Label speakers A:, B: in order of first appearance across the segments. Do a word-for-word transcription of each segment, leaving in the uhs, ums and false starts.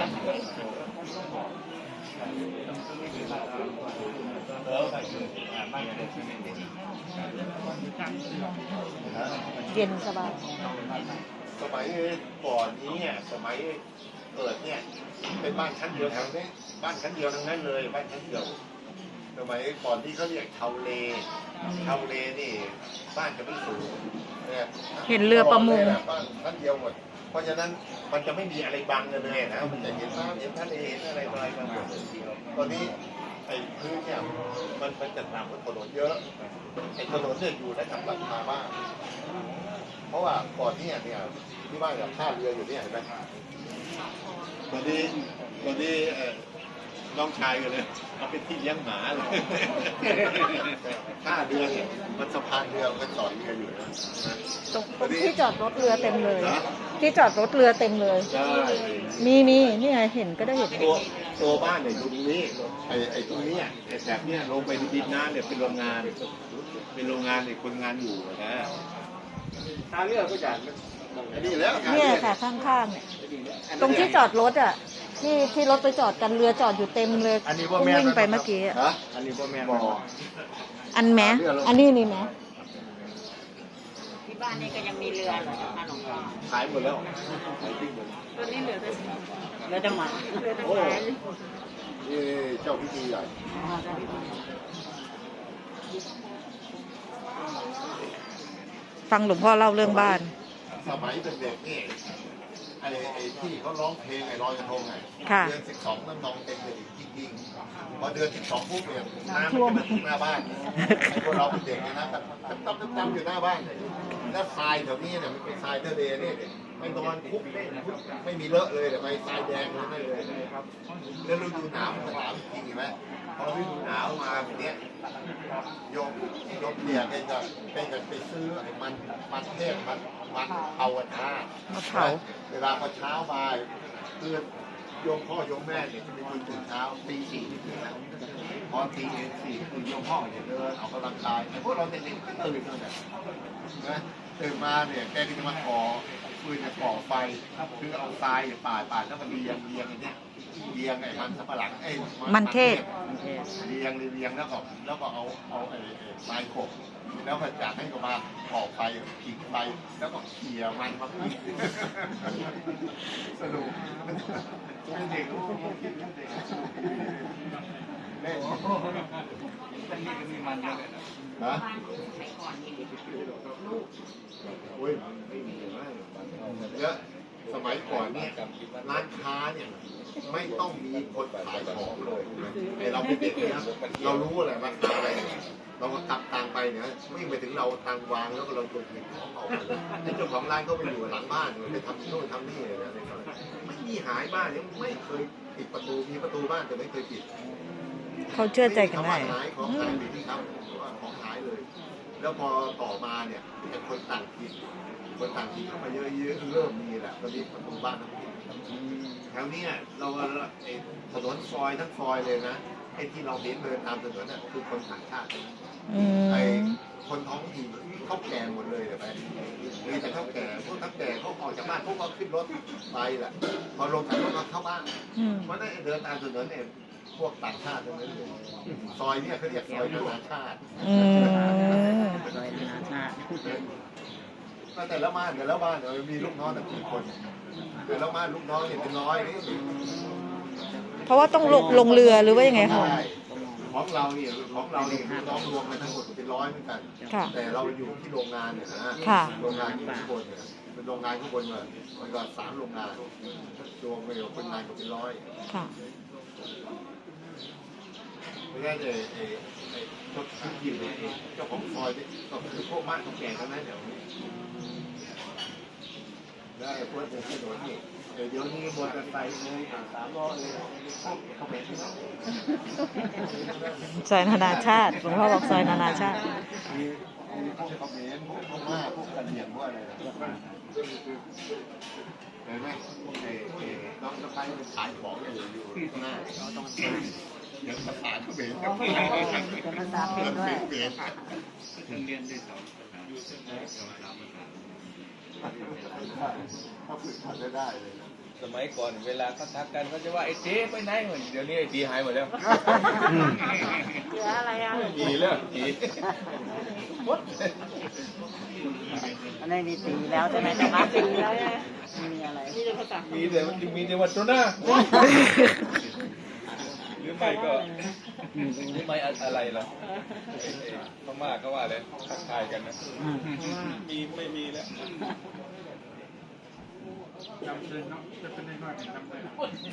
A: เย็นสบาย
B: สมัยก่อนนี้เนี่ยสมัยเกิดเนี่ยเป็นบ้านชั้นเดียวแถวนี้บ้านชั้นเดียวทั้งนั้นเลยบ้านชั้นเดียวสมัยก่อนที่เขาเรียกชาวเลชาวเลนี่บ้านจะไม่สูงเนี่ย
A: เห็นเรือประมง
B: บ้านชั้นเดียวหมดเพราะฉะนั้นมันจะไม่มีอะไรบังกันเลยนะมันจะเห็นน้ำเห็นทะเลเห็นอะไรอะไรกันหมดตอนนี้ไอ้พื้นเนี่ยมันมันจะต่ำกว่าถนนเยอะไอ้ถนนเนี่ยอยู่ระดับราคาบ้างเพราะว่าก่อนเนี่ยเนี่ยที่บ้านกับท่าเรืออยู่เนี่ยเห็นไหมตอนนี้ตอนนี้น้องชายกันเลยเอาเป็นที่เลี้ยงหมาเลยท่าเรือเนี่ยมันสะพานเรือมันจอดเรืออยู่นะ
A: ตรงที่จอดรถเรือเต็มเลยที่จอดรถเรือเต็มเลย
B: ใช่
A: มีมีนี่ไงเห็นก็ได้เห็น
B: ตัวตัวบ้านเนี่ยอยู่ตรงนี้ไอ้ไอ้ตรงนี้ไอ้แบบเนี้ยลงไปดินน้ำเนี่ยเป็นโรงงานเป็นโรงงานเนี่ยคนงานอยู่นะท่าเรือก็จะนี่แล้ว
A: เนี่ยค่ะข้างๆเนี่ยตรงที่จอดรถอ่ะที่ที่รถไปจอดกันเรือจอดอยู่เต็มเลยวิ่งไปเมื่อกี้
B: อ่ะอันนี้พ่อแม่บอก
A: อันแม้อันนี้นี่ไหม
C: ที่บ้านนี่ก็ยังมีเรือเหรอคะหลวงพ่อ
B: ขายหมดแล้วขายทิ้งหมด
C: ตอนนี้เหลือแต่เหลือแต่หมาเหลือแต่หมา
B: นี่เจ้าพิธีใหญ่
A: ฟังหลวงพ่อเล่าเรื่องบ้าน
B: สมัยเป็นเด็กนี่ไอ้ไอ้ที่เขาร้องเพลงไอ้ลอยกระทงไงเดือนสิบสองน้ำนองเต็มเลยจริงๆพอเดือนสิบสองปุ๊บเนี่ยน้ำมันจะมาถึงหน้าบ้านไอ้พวกเราเป็นเด็กนะตั้มตั้มตั้มอยู่หน้าบ้านแล้วทรายแถวนี้เนี่ยมันเป็นทรายทะเลเนี่ยไม่นอนคุกไม่มีเลอะเลยแต่ไปทรายแดงเลยเลยแล้วฤดูหนาวมันหนาวจริงไหมพอฤดูหนาวมาแบบนี้โยมโยมเนี่ยแกจะแกจะไปซื้อไอ้มันมันเทศมันมันเผาท่าเวลาพอเช้ามาคือโยมพ่อโยมแม่เนี่ยจะไปตื่นเช้าตีสี่ตื่นแล้วพอตีสี่คือโยมพ่อเนี่ยเดินออกกำลังกายพวกเราเด็กๆก็ตื่นเลยนะตื่นมาเนี่ยแกก็จะมาก่อฟืนจะก่อไฟคือเอาทรายป่าป่าแล้วก็เรียงเรียงอย่างเนี้ยเรียงไอ้มันสับปะหลังไอ้
A: มันเทศ
B: เรียงเรียงแล้วก็แล้วก็เอาเอาไอ้ไม้ขบแล้วก็จากให้ก็มาก่อไฟผิงไฟแล้วก็เขี่ยมันมาพิงสนุกเป็นเด็กลูกเด็กเล่นมันมีก็มีมันเยอะเลยนะโอ้ยไม่มีมากเยอะสมัยก่อนเนี่ยร้านค้าเนี่ยไม่ต้องมีคนขายของเลยไอเราเป็นเด็กนะเรารู้อะไรมาทำอะไรเราก็ตักตังไปเนี่ยวิ่งไปถึงเราตังวางแล้วก็เราตัวหยิบของออกมาไอ้เจ้าของร้านก็ไปอยู่หลังบ้านเลยไปทำโน่นทำนี่เลยนะไม่มีหายบ้านยังไม่เคยปิดประตูมีประตูบ้านแต่ไม่เคยปิด
A: เขาเชื่อใจกันได้
B: หายของหายดีครับว่าของหายเลยแล้วพอต่อมาเนี่ยเป็นคนต่างถิ่นคนต่างถิ่นเข้ามาเยอะๆเริ่มมีแหละตอนนี้ประตูบ้านแถวนี้เราไอ้ถนนซอยทั้งซอยเลยนะไอ้ที่เราเห็นเดินตามถนนน่ะคือคนต่างชาติไอ้คนท้องถิ่นเขาแก่หมดเลยเดี๋ยวไปมีแต่เขาแก่พวกเขาแก่เขาออกจากบ้านพวกเขาขึ้นรถไปแหละพอลงจากรถมาเข้าบ้านเพราะนั่นเดินตามถนนเนี่ยพวกต่างชาติทั้งนั้นเลยซอยเนี่ยเขาเรียกซอยนานาชาติ
C: ซอยนานาชาติ
B: แต่ละบ้านแต่ละบ้านเรามีลูกน้องแต่กี่คนแต่ละบ้านลูกน้องเนี่ยเป็นร้อย
A: เพราะว่าต้องลงลงเรือหรือว่ายังไงคะ
B: ของเราเนี่ยของเราเนี่ยลูกน้องรวมกันทั้งหมดเป็นร้อยเหมือนกันแต่เราอยู่ที่โรงงานเนี่ยนะโรงงานที่ข้างบนเนี่ยเป็นโรงงานข้างบนเนี่ยมันก็สามโรงงานรวมไปกับคนงานก็เป็นร้อยไม่ใช่เลยไอ้ไอ้พวกที่อยู่เจ้าของซอยเนี่ยก็คือพวกบ้านของแก่ทั้งนั้นเดี๋ยวได้พวกเด็กถนนนี่เดี๋ยวนี้มอเตอร์ไซค์เลยสามล้อเลยเขาเป็น
A: ซอยนานาชาติหลวงพ่อบอกซอยนานาชาติ
B: มีพวกเขาเป็นพวกพม่าพวกกะเหรี่ยงพวกอะไรเห็นไหมพวกไอ้น้องสะพ้ายมันขายของอยู่อยู่ข้างหน้าเราต้องเดี๋ยวภาษาเขาเป็น
A: ภาษาเป็นด้วย
B: เรียนได้สองถ้าฝึกทำได้ได้เลย
D: สมัยก่อนเวลาเขาทักกันเขาจะว่าไอ้เจ๊ไปไหนเหมือนเดี๋ยวนี้ไอ้ตีหายหมดแล้ว
C: เหลืออะไรอ่ะ
D: ไม่มีแล้วตีหมด
C: อันนี้มีตีแล้วใช่ไหมจะมาตีแล้วใช่ไหมมีอะไรมีแต่ภาษา
D: มีแต่มีแต่วัตถุหน้าหรือไม่ก็หรือไม่อะไรล่ะพม่าก็ว่าเลยทักทายกันนะมีไม่มีแล้วจำเลยเนาะจะเป็นน้อยๆจำเลย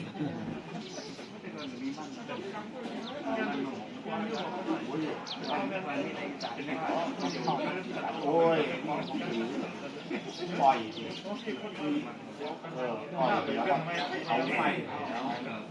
B: โอ้ยปล่อยเออปล่อยแล้วก็เอาไฟ